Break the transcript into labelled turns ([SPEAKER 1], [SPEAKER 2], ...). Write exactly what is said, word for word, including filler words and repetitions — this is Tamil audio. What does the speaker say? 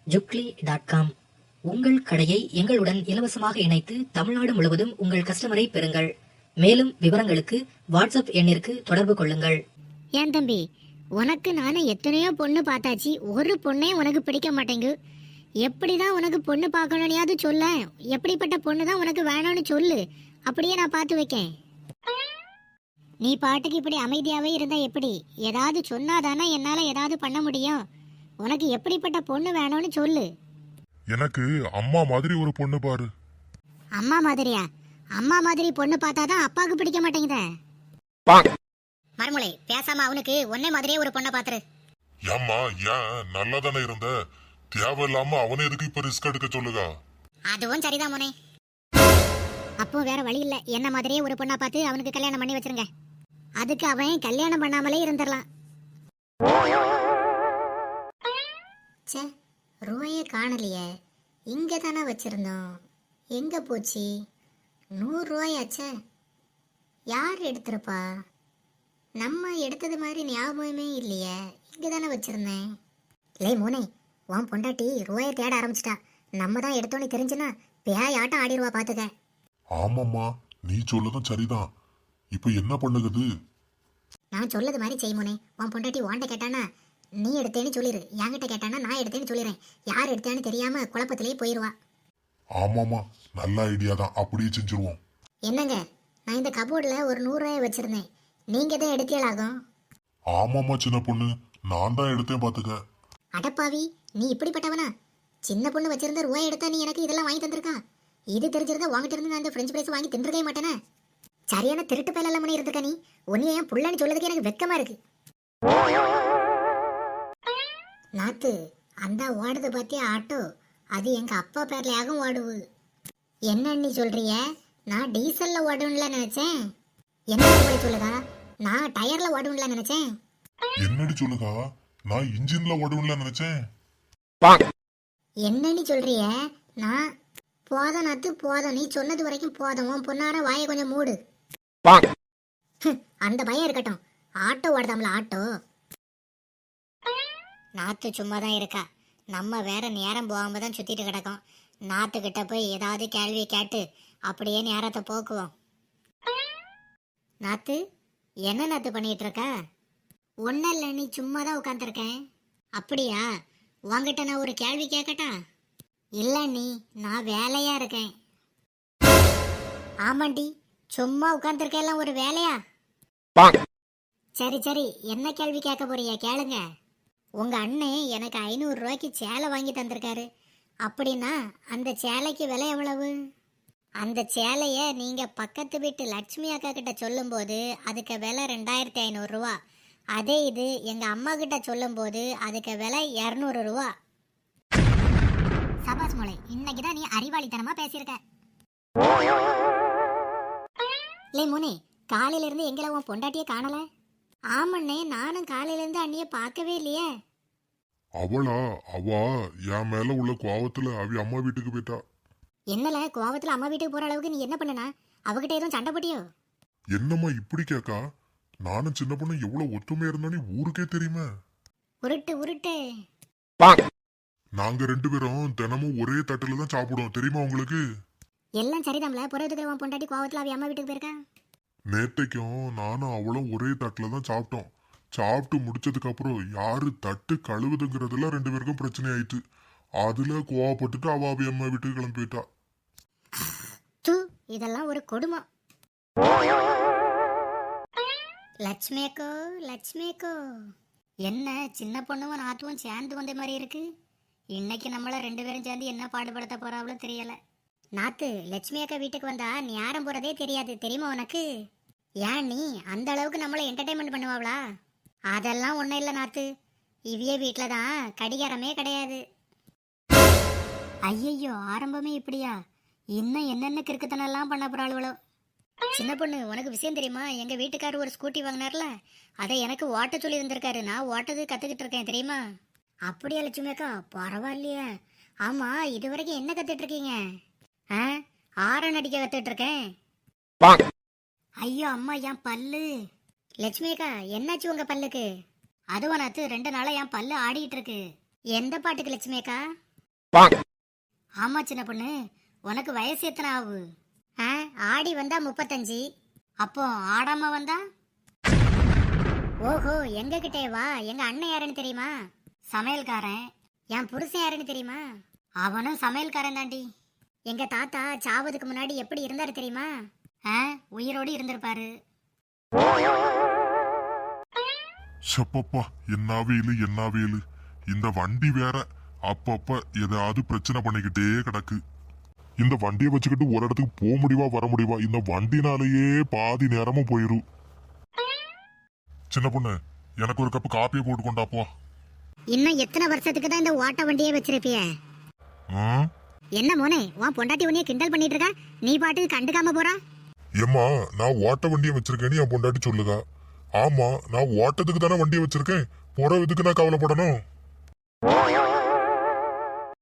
[SPEAKER 1] ஜுக்லி டாட் காம். உங்கள் கடையை எங்களுடன் இலவசமாக இணைத்து தமிழ்நாடு முழுவதும் உங்கள் கஸ்டமரை பெறுங்கள். மேலும் விவரங்களுக்கு வாட்ஸ்அப் எண்ணிற்கு தொடர்பு கொள்ளுங்கள்.
[SPEAKER 2] ஏன் தம்பி, உனக்கு நானே எத்தனையோ பொண்ணு பார்த்தாச்சு, ஒரு பொண்ணே உனக்கு பிடிக்க மாட்டேங்கு. எப்படிதான் உனக்கு பொண்ணு பார்க்கணும்னையாவது சொல்ல. எப்படிப்பட்ட பொண்ணு தான் உனக்கு வேணும்னு சொல்லு, அப்படியே நான் பார்த்து வைக்கேன். நீ பாட்டுக்கு இப்படி அமைதியாவே இருந்தா எப்படி? ஏதாவது சொன்னாதானே என்னால ஏதாவது பண்ண முடியும். உனக்கு எப்படிப்பட்ட பொண்ணு வேணும்னு சொல்லு.
[SPEAKER 3] எனக்கு அம்மா மாதிரி ஒரு பொண்ணு பாரு.
[SPEAKER 2] அம்மா மாதிரியா? அம்மா மாதிரி பொண்ணு பார்த்தாதான் அப்பாவுக்கு பிடிக்க மாட்டேங்குதே. மறுமலை பேசாம அவனுக்கு ஒன்னே மாதிரியே ஒரு பொண்ணை பாத்துரு.
[SPEAKER 3] ஏம்மா, ஏன் நல்லா தானே இருந்த? தேவையில்லாம அவனே எதுக்கு இப்ப ரிஸ்க் எடுக்க சொல்லுங்க?
[SPEAKER 2] அதுவும் சரிதான் மோனே. அப்போ வேற வழி இல்ல, என்ன மாதிரியே ஒரு பொண்ணா பார்த்து அவனுக்கு கல்யாணம் பண்ணி வச்சிருங்க. அதுக்கு அவன் கல்யாணம் பண்ணாமலே இருந்துடலாம். சே, ரூபாயே காணலையே. இங்க தானே வச்சிருந்தோம், எங்க போச்சு? நூறு ரூபாயாச்சே, யார் எடுத்திருப்பா? நம்ம எடுத்தது மாதிரி ஞாபகமே இல்லையே. இங்க தானே வச்சிருந்தேன். லே மோனே, உன் பொண்டாட்டி ரூபாயை தேட ஆரம்பிச்சிட்டா. நம்ம தான் எடுத்தோன்னு தெரிஞ்சுன்னா பேய் ஆட்டம் ஆடிடுவா பாத்துக்க.
[SPEAKER 3] ஆமாம்மா, நீ சொல்லதும் சரிதான். இப்ப என்ன பண்ணுகிறது?
[SPEAKER 2] நான் சொல்லது மாதிரி செய் மோனே. உன் பொண்டாட்டி வாண்ட கேட்டானா நீ எடுத்தேன்னு சொல்லிடு, என்கிட்ட கேட்டானா நான் எடுத்தேன்னு சொல்லிடுறேன். யார் எடுத்தேன்னு தெரியாம குழப்பத்திலேயே போயிடுவா.
[SPEAKER 3] ஆமாம்மா, நல்ல ஐடியா தான். அப்படியே செஞ்சிருவோம்.
[SPEAKER 2] என்னங்க, நான் இந்த கபோர்டில் ஒரு நூறு ரூபாய் வச்சிருந்தேன், நீங்க தான் எடுத்தியலாகும்.
[SPEAKER 3] ஆமாம்மா சின்ன பொண்ணு, நான் தான் எடுத்தேன் பாத்துக்க.
[SPEAKER 2] அடப்பாவி, நீ இப்படிப்பட்டவனா? சின்ன பொண்ணு வச்சிருந்த ரூபாய் எடுத்தா நீ எனக்கு இதெல்லாம் வாங்கி தந்திருக்கா? இது தெரிஞ்சிருந்தா வாங்கிட்டு இருந்து நான் இந்த ஃப்ரெஞ்ச் ஃப்ரைஸ் வாங்கி தின்றுக்கவே மாட்டேனே. சரியான திருட்டு பயலெல்லாம் பண்ணி இருந்திருக்கா நீ. ஒன்னிய ஏன் புள்ளன்னு சொல்லதுக்கு எனக்கு வெக்கமா இருக்கு. நாத்து, அந்த ஓடுது பாத்தியா ஆட்டோ, அது எங்க அப்பா பேர்லயாகும் ஓடுவு. என்ன நீ சொல்றிய? நான் டீசல்ல ஓடும்ல நினைச்சேன். என்ன சொல்லுதா? நான் டயர்ல ஓடும்ல நினைச்சேன்.
[SPEAKER 3] என்னடி சொல்லுதா? நான் இன்ஜின்ல ஓடும்ல நினைச்சேன்.
[SPEAKER 2] என்ன நீ சொல்றிய? நான் போதும் நாத்து போதும், நீ சொன்னது வரைக்கும் போதும். உன் பொண்ணார வாயை கொஞ்சம் மூடு. அந்த பயம் இருக்கட்டும். ஆட்டோ ஓடுதாம்ல ஆட்டோ. நாத்து சும்மா தான் இருக்கா. நம்ம வேற நேரம் போகாம தான் சுத்திட்டு கிடக்கோம். நாத்துக்கிட்ட போய் ஏதாவது கேள்வி கேட்டு அப்படியே நேரத்தை போக்குவோம். நாத்து, என்ன நாத்து பண்ணிட்டு இருக்க? ஒன்னும் இல்லை, நீ சும்மா தான் உட்காந்துருக்கேன். அப்படியா? உங்ககிட்ட நான் ஒரு கேள்வி கேட்கட்டா? இல்ல நீ, நான் வேலையா இருக்கேன். ஆமாண்டி, சும்மா உட்காந்துருக்கெல்லாம் ஒரு வேலையா? சரி சரி, என்ன கேள்வி கேட்க போறியா கேளுங்க. உங்க அண்ணன் எனக்கு ஐநூறு ரூபாய்க்கு சேலை வாங்கி தந்திருக்காரு. அப்படின்னா அந்த சேலைக்கு விலை எவ்வளவு? அந்த சேலைய நீங்க பக்கத்து வீட்டு லட்சுமி அக்கா கிட்ட சொல்லும் போது அதுக்கு விலை ரெண்டாயிரத்தி ஐநூறு ரூபா. அதே இது எங்க அம்மா கிட்ட சொல்லும் போது அதுக்கு விலை இருநூறு ரூபா. சபாஸ் மோளை, இன்னைக்குதான் நீ அறிவாளித்தனமா பேசியிருக்க. லே மோனே, காலையில இருந்து எங்களை உன் பொண்டாட்டியே காணல. ஆமண்ணே, நானும் காலையில இருந்து அண்ணிய பார்க்கவே இல்லையே.
[SPEAKER 3] அவளா? அவ என் மேல உள்ள கோவத்துல அவ அம்மா வீட்டுக்கு போயிட்டா.
[SPEAKER 2] என்னல, கோவத்துல அம்மா வீட்டுக்கு போற அளவுக்கு நீ என்ன பண்ணனா? அவகிட்ட எதுவும் சண்டை போட்டியோ?
[SPEAKER 3] என்னம்மா இப்படி கேக்கா? நானும் சின்ன பொண்ணு எவ்வளவு ஒத்துமையா இருந்தானே ஊருக்கே தெரியுமா?
[SPEAKER 2] உருட்டு உருட்டு.
[SPEAKER 3] நாங்க ரெண்டு பேரும் தினமும் ஒரே தட்டுல தான் சாப்பிடுவோம், தெரியுமா உங்களுக்கு?
[SPEAKER 2] எல்லாம் சரிதாம்ல, புறத்துக்கு உன் பொண்டாட்டி கோவத்துல அவ அம்மா வீட்டுக்கு போயிருக்கா.
[SPEAKER 3] நேத்தைக்கும் நானும் அவளும் ஒரே தட்டுல தான் சாப்பிட்டோம். சாப்பிட்டு முடிச்சதுக்கு அப்புறம் யாரு தட்டு கழுவுதுங்கிறதுல ரெண்டு பேருக்கும் பிரச்சனை ஆயிட்டு. அதுல கோவப்பட்டுட்டு அவ அவ அம்மா வீட்டுக்கு கிளம்பி போயிட்டா.
[SPEAKER 2] தூ, இதெல்லாம் ஒரு கொடுமை. லட்சுமியக்கோ லட்சுமியக்கோ, என்ன சின்ன பொண்ணுவும் நாத்துவும் சேர்ந்து வந்த மாதிரி இருக்கு. இன்னைக்கு நம்மள ரெண்டு பேரும் சேர்ந்து என்ன பாடுபடுத்த போறாவளோ தெரியல. நாத்து, லட்சுமி அக்கா வீட்டுக்கு வந்தா நேரம் போறதே தெரியாது, தெரியுமா உனக்கு? ஏன் நீ அந்த அளவுக்கு நம்மள என்டர்டைன்மெண்ட் பண்ணுவாங்களா? அதெல்லாம் ஒன்றும் இல்லை நாத்து, இவிய வீட்டில் தான் கடிகாரமே கிடையாது. ஐயையோ, ஆரம்பமே இப்படியா? இன்னும் என்னென்ன கிறுக்குத்தனெல்லாம் பண்ண போறாளுவளோ. சின்ன பொண்ணு, உனக்கு விஷயம் தெரியுமா? எங்க வீட்டுக்காரர் ஒரு ஸ்கூட்டி வாங்கினார்ல, அதை எனக்கு ஓட்ட சொல்லி இருந்திருக்காரு. நான் ஓட்டது கத்துக்கிட்டு இருக்கேன், தெரியுமா? அப்படியா லட்சுமி அக்கா? பரவாயில்லையே. ஆமா, இது வரைக்கும் என்ன கத்துட்டு இருக்கீங்க? ஆ, ஆரன் அடிக்க கத்துட்டு இருக்கேன். ஐயோ அம்மா, என் பல்லு. லட்சுமி அக்கா, என்னாச்சு உங்க பல்லுக்கு? அதுவா நாத்து, ரெண்டு நாளா என் பல்லு ஆடிட்டு இருக்கு. எந்த பாட்டுக்கு லட்சுமி அக்கா? ஆமா சின்ன பொண்ணு, உனக்கு வயசு எத்தனை ஆகு? ஆ, ஆடி வந்தா முப்பத்தஞ்சு. அப்போ ஆடாம வந்தா? ஓஹோ, எங்க கிட்டே வா. எங்க அண்ணன் யாருன்னு தெரியுமா? சமையல்காரன். என் புருஷன் யாருன்னு தெரியுமா? அவனும் சமையல்காரன் தாண்டி. எங்க தாத்தா சாவதுக்கு முன்னாடி எப்படி இருந்தாரு தெரியுமா? ஆ, உயிரோடு இருந்திருப்பாரு.
[SPEAKER 3] சப்பப்பா, என்ன வேலு என்ன வேலு. இந்த வண்டி வேற அப்பப்ப ஏதாவது பிரச்சனை பண்ணிக்கிட்டே கிடக்கு. இந்த வண்டியை வச்சுக்கிட்டு ஒரு இடத்துக்கு போக முடியுவா வர முடியுவா? இந்த வண்டினாலேயே பாதி நேரமும் போயிரும். சின்ன பொண்ணு, எனக்கு ஒரு கப்பு காப்பியை போட்டு கொண்டாப்போ.
[SPEAKER 2] இன்னும் எத்தனை வருஷத்துக்கு தான் இந்த ஓட்ட வண்டியே வச்சிருப்பிய?
[SPEAKER 3] ஆ?
[SPEAKER 2] என்ன மோனே, உன் பொண்டாட்டி உன்னைய கிண்டல் பண்ணிட்டு இருக்கா, நீ பாட்டுக்கு கண்டுக்காம போறா?
[SPEAKER 3] ஏம்மா, நான் ஓட்ட வண்டியை வச்சிருக்கேன்னு என் பொண்டாட்டி சொல்லுதா? ஆமா, நான் ஓட்டத்துக்கு தானே வண்டியை வச்சிருக்கேன். போற இதுக்கு நான் கவலைப்படணும்.